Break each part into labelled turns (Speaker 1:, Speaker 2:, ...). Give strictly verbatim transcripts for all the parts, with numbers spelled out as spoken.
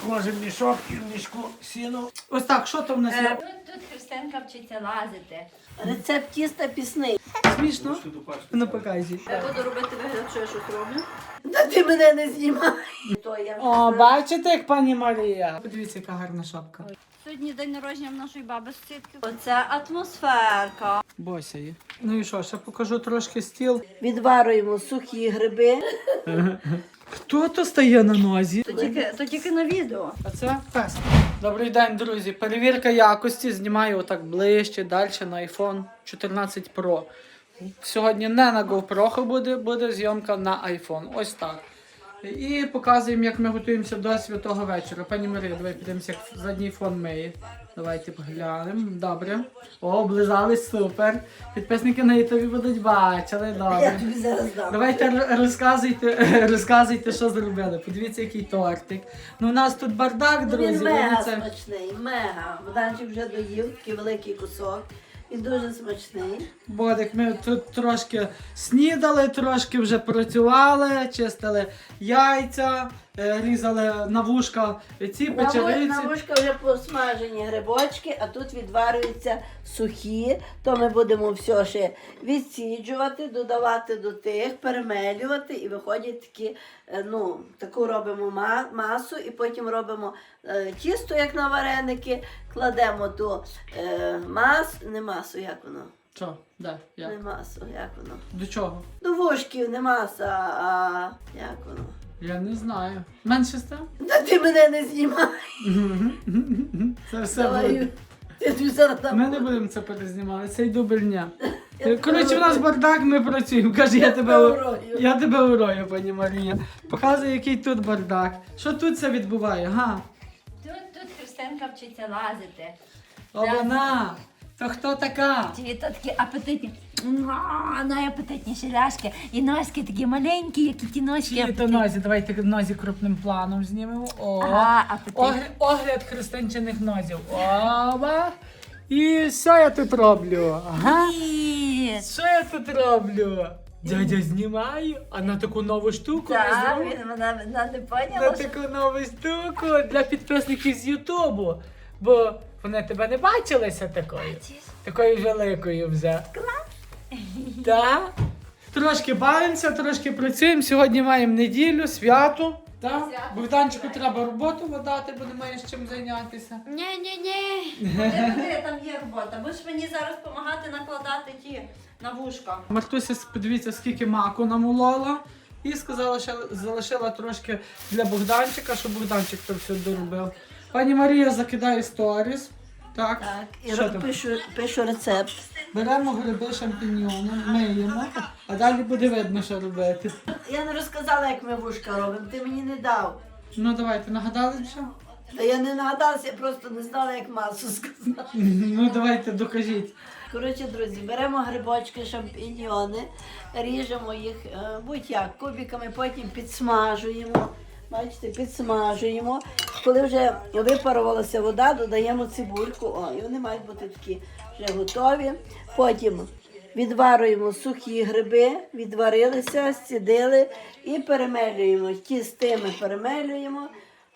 Speaker 1: Ложимо мішок і в мішку сіно. Ось так, що там в нас
Speaker 2: Е,
Speaker 1: є?
Speaker 2: Тут, тут Христинка вчиться лазити.
Speaker 3: Рецепт тіста пісний.
Speaker 1: Смішно? Ну покажи.
Speaker 2: Я буду робити вигляд, що я щось роблю.
Speaker 3: Та ти мене не знімай. То я вже
Speaker 1: О, бачите, як пані Марія? Подивіться, яка гарна шапка.
Speaker 2: Сьогодні день народження в нашої баби сусідки. Оце атмосферка.
Speaker 1: Бося є. Ну і що, ще покажу трошки стіл.
Speaker 3: відварюємо сухі гриби.
Speaker 1: Хто то стає на нозі?
Speaker 2: То тільки, то тільки на відео.
Speaker 1: А це пес. Добрий день, друзі. Перевірка якості. Знімаю отак ближче, далі на айфон чотирнадцять про. Сьогодні не на GoPro буде, буде зйомка на iPhone. Ось так. І показуємо, як ми готуємося до святого вечора. Пані Марія, давай підемося, як задній фон миє. Давайте поглянемо. Добре. О, облизались, супер. Підписники на ютубі будуть бачили.
Speaker 3: Я
Speaker 1: Добре.
Speaker 3: тобі зараз дам.
Speaker 1: Давайте р- розказуйте, розказуйте, що зробили. Подивіться, який тортик. Ну, у нас тут бардак,
Speaker 3: Ну,
Speaker 1: друзі.
Speaker 3: він
Speaker 1: ви
Speaker 3: мега
Speaker 1: це-
Speaker 3: смачний, мега. Богданчик вже доїв, такий великий кусок. Він дуже смачний.
Speaker 1: Бодик, ми тут трошки снідали, трошки вже працювали, чистили яйця, е, різали на вушка ці
Speaker 3: На ву-
Speaker 1: печериці.
Speaker 3: На вушка вже посмажені грибочки, а тут відварюються сухі. То ми будемо все ще відсіджувати, додавати до тих, перемелювати і виходять такі, е, ну, таку робимо ма- масу і потім робимо е, тісто, як на вареники, кладемо ту е, мас, не масу, як воно?
Speaker 1: Що? Де? Як?
Speaker 3: Не масу, як воно?
Speaker 1: До чого?
Speaker 3: До вушків не маса, а як воно?
Speaker 1: Я не знаю. Менше став?
Speaker 3: Та ти мене не знімай.
Speaker 1: Це все
Speaker 3: Давай,
Speaker 1: буде.
Speaker 3: я тобі зараз дам.
Speaker 1: Ми не будемо це перезнімати, це й дубль дня.
Speaker 3: Я
Speaker 1: Коротше, у нас бардак, ми працюємо. Каже, я тебе,
Speaker 3: тебе
Speaker 1: у-
Speaker 3: урою.
Speaker 1: я тебе урою, пані Марія. Показує, який тут бардак. Що тут це відбуває? Га?
Speaker 2: Тут, тут Христинка вчиться лазити.
Speaker 1: О, вона! То хто така?
Speaker 2: Ті то такі апетитні. Муа, найапетитніші ляшки. І носки такі маленькі, які ті ножки.
Speaker 1: Чиї то
Speaker 2: апетитні.
Speaker 1: нозі? Давайте нозі крупним планом знімемо. О,
Speaker 2: Ага, апетитні.
Speaker 1: огляд, огляд христинчиних нозів. Оба. І що я тут роблю? Ага.
Speaker 2: Ні.
Speaker 1: Що я тут роблю? Дядя знімаю, а на таку нову штуку не
Speaker 2: Так,
Speaker 1: зробив?
Speaker 2: він вона, вона не
Speaker 1: На
Speaker 2: поняла, що...
Speaker 1: таку нову штуку для підписників з Ютубу. Бо вони тебе не бачилися такою. Такою великою вже. Клас! Так. Трошки бавимося, трошки працюємо. Сьогодні маємо неділю, свято. Так?
Speaker 2: Свято.
Speaker 1: Богданчику треба роботу видати, бо немає з чим зайнятися.
Speaker 2: Ні-ні-ні. Куди, куди, там є робота. Будеш мені зараз допомагати накладати ті на вушка.
Speaker 1: Мартуся, подивіться, скільки маку намолола. І сказала, що залишила трошки для Богданчика, щоб Богданчик то все доробив. Пані Марія закидає сторіс. Так,
Speaker 3: Так, і
Speaker 1: що
Speaker 3: ро-
Speaker 1: там?
Speaker 3: пишу, пишу рецепт.
Speaker 1: Беремо гриби, шампіньйони, миємо, а далі буде видно, що робити.
Speaker 3: Я не розказала, як ми вушка робимо, ти мені не дав.
Speaker 1: Ну давайте, нагадали вже?
Speaker 3: Та я не нагадалася, я просто не знала, як масу сказати.
Speaker 1: Ну давайте, докажіть.
Speaker 3: Коротше, друзі, беремо грибочки, шампіньйони, ріжемо їх е, будь-як кубиками, потім підсмажуємо. Бачите, підсмажуємо. Коли вже випарувалася вода, додаємо цибульку. О, і вони мають бути такі вже готові. Потім відварюємо сухі гриби, відварилися, зцідили і перемелюємо. Ті з тими перемелюємо.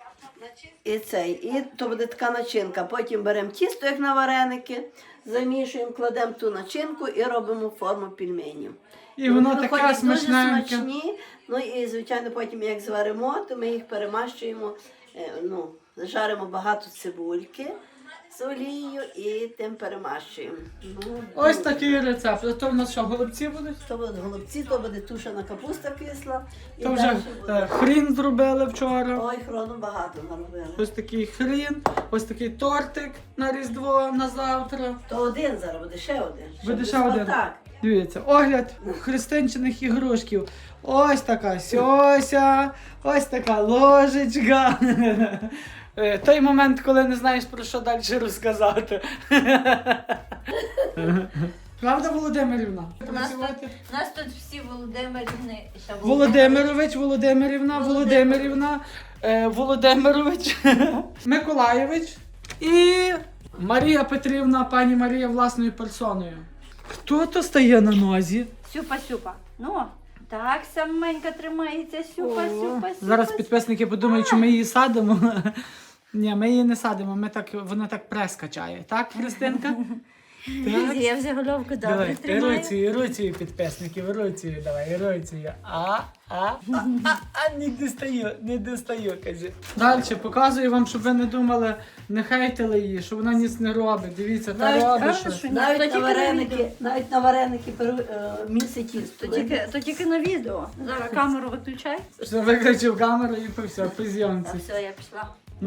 Speaker 3: І цей, і то буде така начинка. Потім беремо тісто, як на вареники, замішуємо, кладемо ту начинку і робимо форму пельменів.
Speaker 1: І воно
Speaker 3: Вони
Speaker 1: таке
Speaker 3: виходять дуже
Speaker 1: смачненьке.
Speaker 3: смачні. Ну і звичайно потім як зваримо, то ми їх перемащуємо, е, ну, жаримо багато цибульки з олією і тим перемащуємо. Ну,
Speaker 1: Ось такий рецепт. А то в нас що, голубці будуть?
Speaker 3: То будуть голубці, то буде тушена капуста кисла. І
Speaker 1: То вже
Speaker 3: далі
Speaker 1: е,
Speaker 3: буде.
Speaker 1: хрін зробили вчора.
Speaker 3: Ой, хрону багато наробили.
Speaker 1: Ось такий хрін, ось такий тортик на Різдво, на завтра.
Speaker 3: То один зараз буде, ще один.
Speaker 1: Буде
Speaker 3: Щоб
Speaker 1: ще
Speaker 3: не
Speaker 1: один.
Speaker 3: так.
Speaker 1: Дивіться, огляд христинчиних ігрушків. Ось така сьося, ось така ложечка. Е, Той момент, коли не знаєш, про що далі розказати. Правда, Володимирівна?
Speaker 2: У нас тут,
Speaker 1: Працювати?
Speaker 2: у нас тут всі Володимирівни. ще
Speaker 1: Володимирович, Володимирівна, Володимирівна, е, Володимирович, Миколаєвич і Марія Петрівна, пані Марія власною персоною. Хто то стає на нозі?
Speaker 2: Сюпа-сюпа. Ну, Так, саменька тримається, сюпа,
Speaker 1: О,
Speaker 2: сюпа, сюпа.
Speaker 1: Зараз підписники подумають, що ми її садимо. Ні, ми її не садимо, ми так, вона так прес качає. Так, Христинка? Так.
Speaker 2: Я вже головку добре
Speaker 1: Давай,
Speaker 2: тримаю.
Speaker 1: іруцію, іруцію, підписники, іруцію, давай, іруцію. А, а, а, а, а, не достаю, не достаю, каже. Далі показую вам, щоб ви не думали, не хейтили її, що вона ніц не робить. Дивіться, та
Speaker 3: Навіть-
Speaker 1: робить
Speaker 2: Правда,
Speaker 1: щось.
Speaker 2: що ні?
Speaker 3: Навіть
Speaker 2: То
Speaker 3: на
Speaker 2: тільки на
Speaker 3: вареники,
Speaker 2: відео.
Speaker 3: навіть на вареники перу- е, місить тісто.
Speaker 2: То тільки, то тільки на відео. Зараз камеру виключай.
Speaker 1: Що виключив камеру і по все, по
Speaker 2: Та
Speaker 1: зйомці.
Speaker 2: все, я пішла.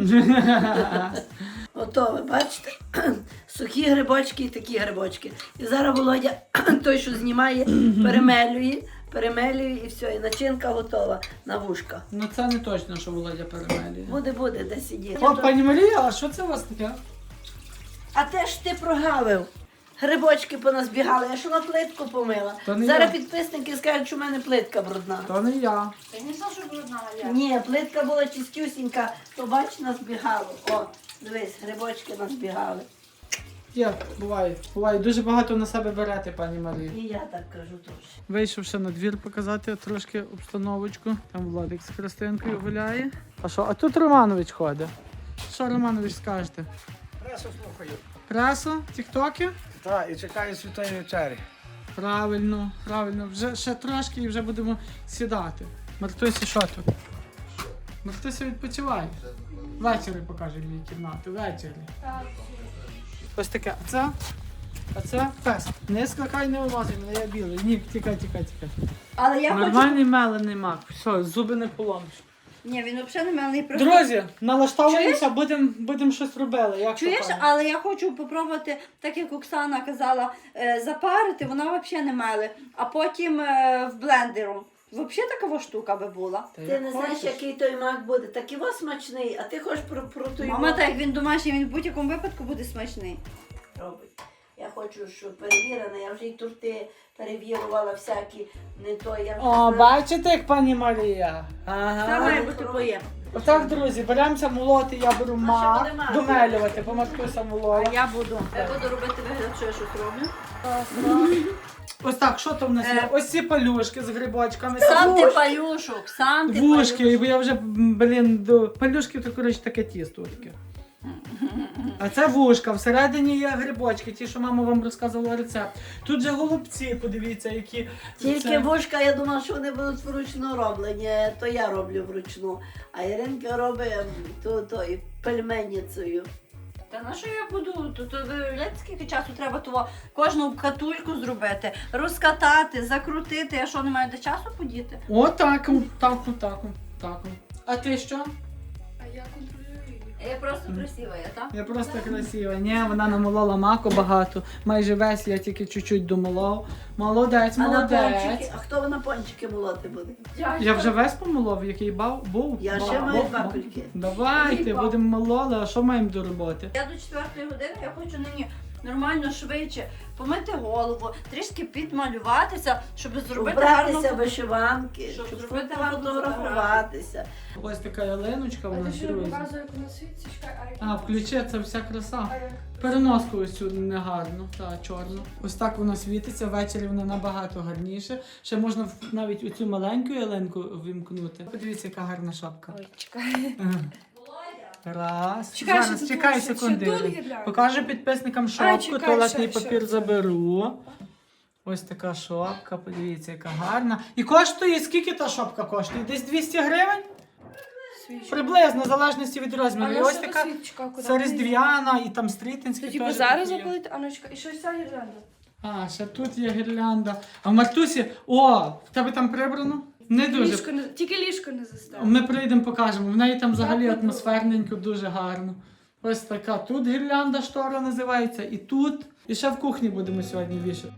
Speaker 3: Ото ви бачите, сухі грибочки і такі грибочки. І зараз Володя, той, що знімає, перемелює, перемелює і все, і начинка готова на вушка.
Speaker 1: Ну це не точно, що Володя перемелює.
Speaker 3: Буде, буде, де сидіти.
Speaker 1: О, пані Марія, а що це у вас таке?
Speaker 3: А те ж ти прогавив. Грибочки поназбігали, я що на плитку помила.
Speaker 1: То не
Speaker 3: Зараз
Speaker 1: я.
Speaker 3: підписники скажуть, що в мене плитка брудна.
Speaker 1: То не я.
Speaker 2: Ти не що, що брудна, я.
Speaker 3: Ні, плитка була чистюсінька, то бач, назбігало. О, дивись, грибочки назбігали.
Speaker 1: Є, буває. Буває. Дуже багато на себе берете, пані Марія.
Speaker 3: І я так кажу теж.
Speaker 1: Вийшов ще на двір показати трошки обстановочку. Там Владик з Христинкою гуляє. А що? А тут Романович ходить. Що Романович скажете?
Speaker 4: Пресу слухаю.
Speaker 1: Пресу? Тіктоки?
Speaker 4: Так, і чекаю святої вечері.
Speaker 1: Правильно, правильно. Вже ще трошки і вже будемо сідати. Мартусі, що тут? Мартуся відпочиває. Ввечері покаже мені кімнату. Ввечері. Ось таке. А це? А це пес. Не скакай, не вилазить, мене я білий. Ні, тікай, тікай, тікай.
Speaker 2: Але я хочу...
Speaker 1: Нормальний мелений мак. Все, зуби не поломиш.
Speaker 2: Ні, він взагалі не мелний. просто-
Speaker 1: Друзі, налаштовуємося, будемо будем щось робили. Як
Speaker 2: Чуєш,
Speaker 1: то, пані?
Speaker 2: але я хочу попробувати, так як Оксана казала, е, запарити, вона взагалі не мели, а потім е, в блендеру. Взагалі така штука би була.
Speaker 1: Та
Speaker 3: Ти
Speaker 1: як
Speaker 3: не знаєш,
Speaker 1: хочеш.
Speaker 3: який той мак буде. Так і вас смачний, а ти хочеш про, про той
Speaker 2: Мама,
Speaker 3: мак
Speaker 2: так як він домашній, він в будь-якому випадку буде смачний.
Speaker 3: робить. Я хочу, щоб перевірено, я вже й турти перевірувала всякі, не то, я вже
Speaker 1: О,
Speaker 3: знаю.
Speaker 1: бачите, як пані Марія?
Speaker 2: Це
Speaker 1: Ага.
Speaker 2: має бути поєм.
Speaker 1: Отак, друзі, беремося молоти, я беру
Speaker 3: ще
Speaker 1: мак,
Speaker 3: буде мак.
Speaker 1: домелювати, бо Мартуся молола.
Speaker 2: А я буду. Я буду робити вигляд, що я щось роблю.
Speaker 1: Ось так, що там в нас є?
Speaker 2: Е.
Speaker 1: Ось ці палюшки з грибочками.
Speaker 2: Сам ти
Speaker 1: Вуш-
Speaker 2: палюшок, сам ти
Speaker 1: Вушки,
Speaker 2: палюшок.
Speaker 1: бо я вже, м, блін, до палюшки, то, коротше, таке тісто таке. А це вушка, всередині є грибочки, ті, що мама вам розказувала рецепт. Тут же голубці, подивіться, які.
Speaker 3: Тільки
Speaker 1: це-
Speaker 3: вушка, я думала, що вони будуть вручну роблені, то я роблю вручну. А Іринка робить м, то, то і пельменницею.
Speaker 2: Та на що я буду? Тут виявляєте, скільки часу треба того кожну катульку зробити, розкатати, закрутити. Я що, не маю до часу подіти?
Speaker 1: О, так, так, так, так. А ти що?
Speaker 2: Я просто красива, я так?
Speaker 1: Я просто красива. Ні, вона намолола маку багато. Майже весь, я тільки чуть-чуть домолов. Молодець,
Speaker 3: А на
Speaker 1: молодець.
Speaker 3: пончики, а хто на пончики молоти буде?
Speaker 1: Я вже весь помолов, який бав, був.
Speaker 3: Я
Speaker 1: Бав,
Speaker 3: ще маю
Speaker 1: бав,
Speaker 3: два
Speaker 1: бав.
Speaker 3: кульки.
Speaker 1: Давайте, будемо мололи, а що маємо до роботи?
Speaker 2: Я до четвертої години я хочу нині нормально швидше помити голову, трішки підмалюватися, щоб зробити гарну
Speaker 3: Убратися вишиванки,
Speaker 2: Щоб
Speaker 3: щоб
Speaker 2: зробити гарну
Speaker 3: фотографуватися.
Speaker 1: Ось така ялиночка у
Speaker 5: А
Speaker 1: нас
Speaker 5: ти що
Speaker 1: друзі.
Speaker 5: показує, як вона світиться? Чекай, а як?
Speaker 1: А, включи, це вся краса.
Speaker 5: А як?
Speaker 1: Переноску ось цю негарну, та чорну. Ось так вона світиться, ввечері вона набагато гарніше. Ще можна в- навіть оцю маленьку ялинку вимкнути. Подивіться, яка гарна шапка.
Speaker 5: Ой, чекай.
Speaker 1: Ага. Раз.
Speaker 5: Чекай,
Speaker 1: Зараз,
Speaker 5: що
Speaker 1: чекай
Speaker 5: тут, що-
Speaker 1: секунди.
Speaker 5: що тут гірлянда?
Speaker 1: Покажу підписникам шапку,
Speaker 5: чекай,
Speaker 1: туалетний
Speaker 5: ще-
Speaker 1: папір
Speaker 5: ще.
Speaker 1: заберу. Ось така шапка, подивіться, яка гарна. І коштує, скільки та шапка коштує? Десь двісті гривень?
Speaker 5: Свічка.
Speaker 1: Приблизно, в залежності від розміру.
Speaker 5: А
Speaker 1: І
Speaker 5: на
Speaker 1: ось
Speaker 5: що
Speaker 1: така
Speaker 5: та свічка? Куди
Speaker 1: це
Speaker 5: вона
Speaker 1: різдвяна і там
Speaker 5: йде?
Speaker 1: стрітинські
Speaker 5: То типу
Speaker 1: теж
Speaker 5: зараз
Speaker 1: такі є.
Speaker 5: запалити, а ну чекай, і щось ця гірлянда.
Speaker 1: А, ще тут є гірлянда. А в Мартусі, о, в тебе там прибрано? Не дуже.
Speaker 5: Ліжко не, тільки ліжко не застелено.
Speaker 1: Ми прийдемо, покажемо. В неї там взагалі
Speaker 5: Так,
Speaker 1: атмосферненько, дуже гарно. Ось така. Тут гірлянда штора називається, і тут. І ще в кухні будемо сьогодні вішати.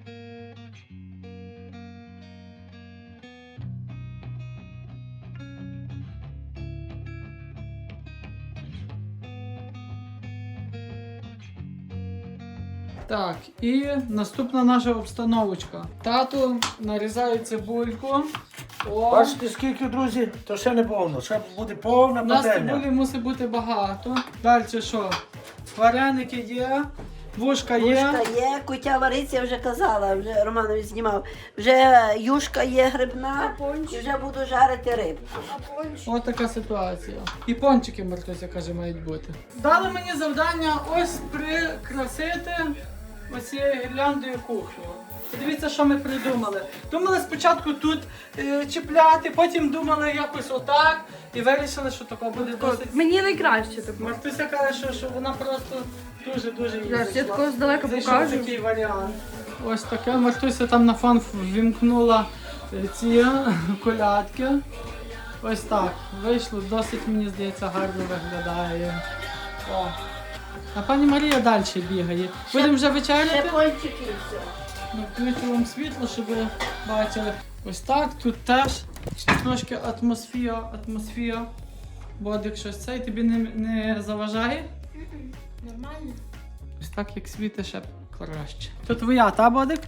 Speaker 1: Так, і наступна наша обстановочка. Тато нарізає цибульку. О,
Speaker 4: Бачите, скільки, друзі, то ще не повно. Ще буде повна
Speaker 1: у нас
Speaker 4: пательня.
Speaker 1: цибулі мусить бути багато. Далі що? Вареники є. Вушка є.
Speaker 3: Вушка є, кутя вариться, я вже казала, вже Романович знімав. Вже юшка є грибна, і вже буду жарити рибку.
Speaker 1: Ось така ситуація. І пончики, Мартуся каже, мають бути. Дали мені завдання ось прикрасити оцією гірляндою кухню. Подивіться, що ми придумали. Думали спочатку тут е, чіпляти, потім думали якось отак. І вирішили, що тако буде досить.
Speaker 5: Мені найкраще так.
Speaker 1: Мартуся каже, що, що вона просто дуже-дуже їй
Speaker 5: Зараз я
Speaker 1: зайшла.
Speaker 5: такого здалека
Speaker 1: Зайшов
Speaker 5: покажу.
Speaker 1: такий варіант. Ось таке. Мартуся там на фон ввімкнула е, ці е, колядки. Ось так. Вийшло, досить, мені здається, гарно виглядає. О. А пані Марія далі бігає. Будемо вже
Speaker 3: Ще
Speaker 1: вечеряти.
Speaker 3: пончики і все.
Speaker 1: Ну, включу вам світло, щоб ви бачили. Ось так, тут теж трошки атмосфера, атмосфера. Бодик щось цей тобі не, не заважає?
Speaker 5: Нормально.
Speaker 1: Ось так, як світи, ще краще. То твоя, та, Бодик?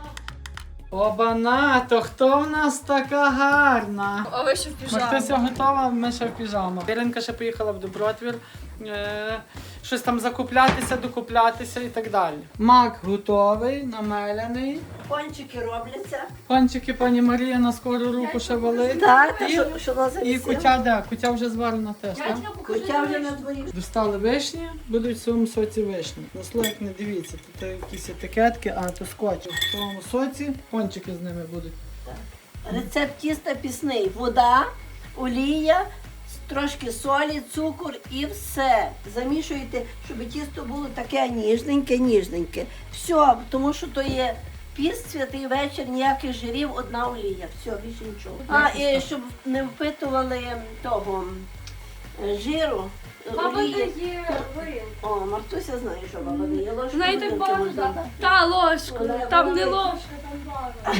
Speaker 1: Обана, то хто в нас така гарна?
Speaker 5: А ви ще в піжамі?
Speaker 1: Мартуся готова, ми ще в піжамах. Іринка ще поїхала в Добротвір. Е, щось там закуплятися, докуплятися і так далі. Мак готовий, намеляний.
Speaker 3: Пончики робляться.
Speaker 1: Панчики пані Марія на скору руку ще валить.
Speaker 3: Так, та
Speaker 1: І,
Speaker 3: що, що на
Speaker 1: і
Speaker 3: завісі?
Speaker 1: кутя де? Кутя вже зварена теж, так?
Speaker 3: Кутя вже на дворі.
Speaker 1: Достали вишні, будуть в своєму соці вишні. На слоїк не дивіться, тут якісь етикетки, а то скотч. В своєму соці пончики з ними будуть.
Speaker 3: Рецепт тіста пісний. Вода, олія, трошки солі, цукор і все. Замішуєте, щоб тісто було таке ніжненьке, ніжненьке. Все, тому що то є піст, святий вечір, ніяких жирів, одна олія. Все, більше нічого. А, і щоб не впитували того е, жиру.
Speaker 5: Баба
Speaker 3: олії.
Speaker 5: дає вилку.
Speaker 3: О, Мартуся знає, що баба дає. Ложку
Speaker 5: Знаєте,
Speaker 3: горілки
Speaker 5: багато
Speaker 3: можна
Speaker 5: дати.
Speaker 3: дати.
Speaker 5: Та ложку.
Speaker 3: Вона
Speaker 5: Там не
Speaker 3: говорить.
Speaker 5: ложка, там бара.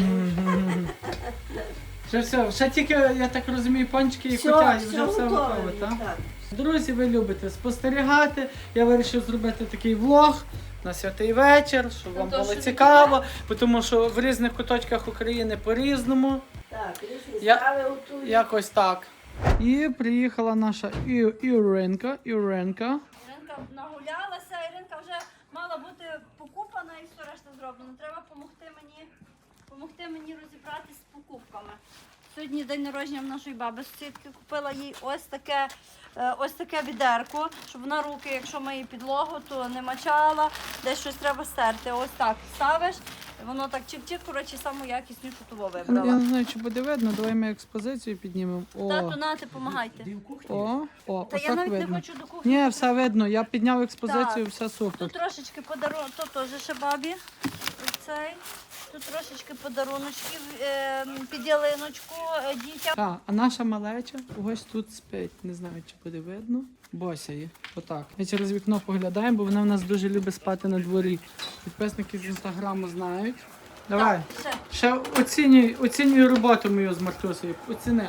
Speaker 1: Вже все, ще тільки, я так розумію, пончики і
Speaker 3: Все,
Speaker 1: кутя, і
Speaker 3: все
Speaker 1: вже все готове,
Speaker 3: готове.
Speaker 1: так?
Speaker 3: Так.
Speaker 1: Друзі, ви любите спостерігати. Я вирішив зробити такий влог на святий вечір, щоб вам
Speaker 5: то,
Speaker 1: було
Speaker 5: що
Speaker 1: цікаво, тому що в різних куточках України по-різному.
Speaker 3: Так, різні
Speaker 1: Я-
Speaker 3: страви готують.
Speaker 1: Якось так. І приїхала наша І- Іринка. Іринка.
Speaker 2: Іринка нагулялася, Іринка вже мала бути покупана і все решта зроблено. Треба допомогти мені, помогти мені розібратися з покупками. Сьогодні день народження в нашої баби сусідки, купила їй ось таке, е, ось таке відерко, щоб вона руки, якщо миє підлогу, то не мачала, десь щось треба стерти. Ось так ставиш, воно так чик-чик, коротше, саму якіснішу того
Speaker 1: Я
Speaker 2: вибрала.
Speaker 1: не знаю, чи буде видно, давай ми експозицію піднімемо. О,
Speaker 2: Тату, нате, помагайте.
Speaker 1: о, о,
Speaker 2: Та я
Speaker 1: отак
Speaker 2: навіть не
Speaker 1: видно.
Speaker 2: хочу до кухні.
Speaker 1: Ні, все видно, я підняв експозицію,
Speaker 2: Так.
Speaker 1: все супер.
Speaker 2: Тут трошечки подарунок, то теж ще бабі. Оцей. Тут трошечки подаруночків е, під ялиночку е, дітям.
Speaker 1: А, а наша малеча ось тут спить. Не знаю, чи буде видно. Бося є. Отак. Ми через вікно поглядаємо, бо вона в нас дуже любить спати на дворі. Підписники з інстаграму знають. Давай.
Speaker 2: Так, все.
Speaker 1: Ще оцінюй, оцінюй роботу мою з Мартусею. Оціни.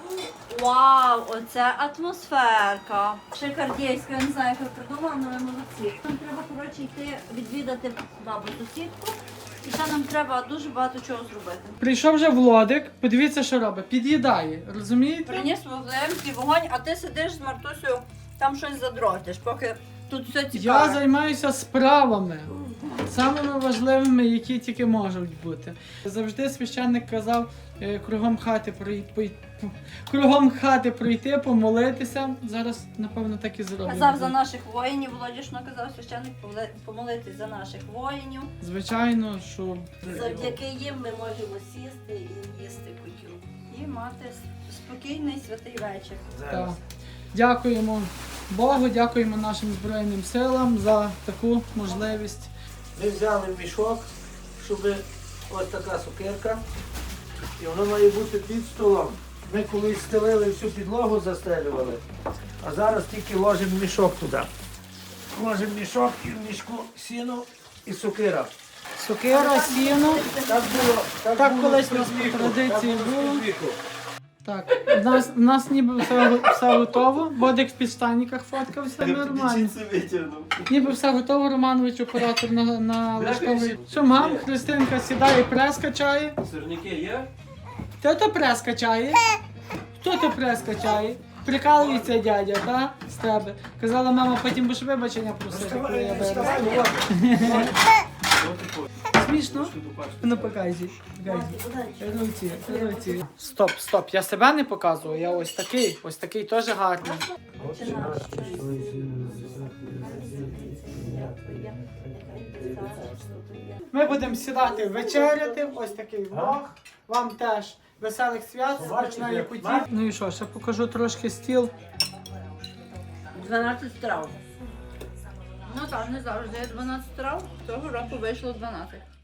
Speaker 2: Вау, оце атмосферка. Шикардійська, я не знаю, як ви придумали, але ви молодці. Нам треба, коротше, йти відвідати бабу сусідку. І ще нам треба дуже багато чого зробити.
Speaker 1: Прийшов вже Владик, подивіться, що робить. Під'їдає, розумієте?
Speaker 2: Приніс вогнемський вогонь, а ти сидиш з Мартусею, там щось задротиш, поки тут все
Speaker 1: Я
Speaker 2: цікаве.
Speaker 1: займаюся справами, самими важливими, які тільки можуть бути. Завжди священник казав е, кругом хати пройти, кругом хати пройти, помолитися. Зараз, напевно, так і зробимо.
Speaker 2: Казав за наших воїнів, Володішно казав священник помоли- помолитись за наших воїнів.
Speaker 1: Звичайно, що
Speaker 3: Завдяки їм ми можемо сісти і їсти кутю.
Speaker 2: І мати с- спокійний святий вечір.
Speaker 1: так. Дякуємо Богу, дякуємо нашим Збройним силам за таку можливість.
Speaker 4: Ми взяли мішок, щоб ось така сукерка. І воно має бути під столом. Ми колись стелили всю підлогу, застелювали, а зараз тільки ложимо мішок туди. Ложимо мішок і в мішку сіно і сукера.
Speaker 1: Сокира, сіно.
Speaker 4: Так було, так
Speaker 1: Так
Speaker 4: було
Speaker 1: колись у нас
Speaker 4: спідвіку,
Speaker 1: по традиції
Speaker 4: так
Speaker 1: було.
Speaker 4: спідвіку.
Speaker 1: Так, в нас, в нас ніби все, все готово. Бодик в підштанниках фоткався, нормально. Ніби все готово, Романович, оператор на, на лаштовий. Що, мам, Христинка сідає, прес качає.
Speaker 6: Сирники є?
Speaker 1: Хто то прес качає? Хто то прес качає? Прикалується дядя, та? З тебе. Казала мама, потім будеш вибачення просити, коли я виросту. Смішно? Ну показуй. Показуй. Руці, руці. Стоп, стоп, я себе не показую, я ось такий, ось такий теж гарний. Ми будемо сідати вечеряти, ось такий влог. Вам теж веселих свят, смачної куті. Ну і що, ще покажу трошки стіл.
Speaker 3: дванадцять страв.
Speaker 2: Ну так, не завжди. дванадцять трав, цього року вийшло дванадцять.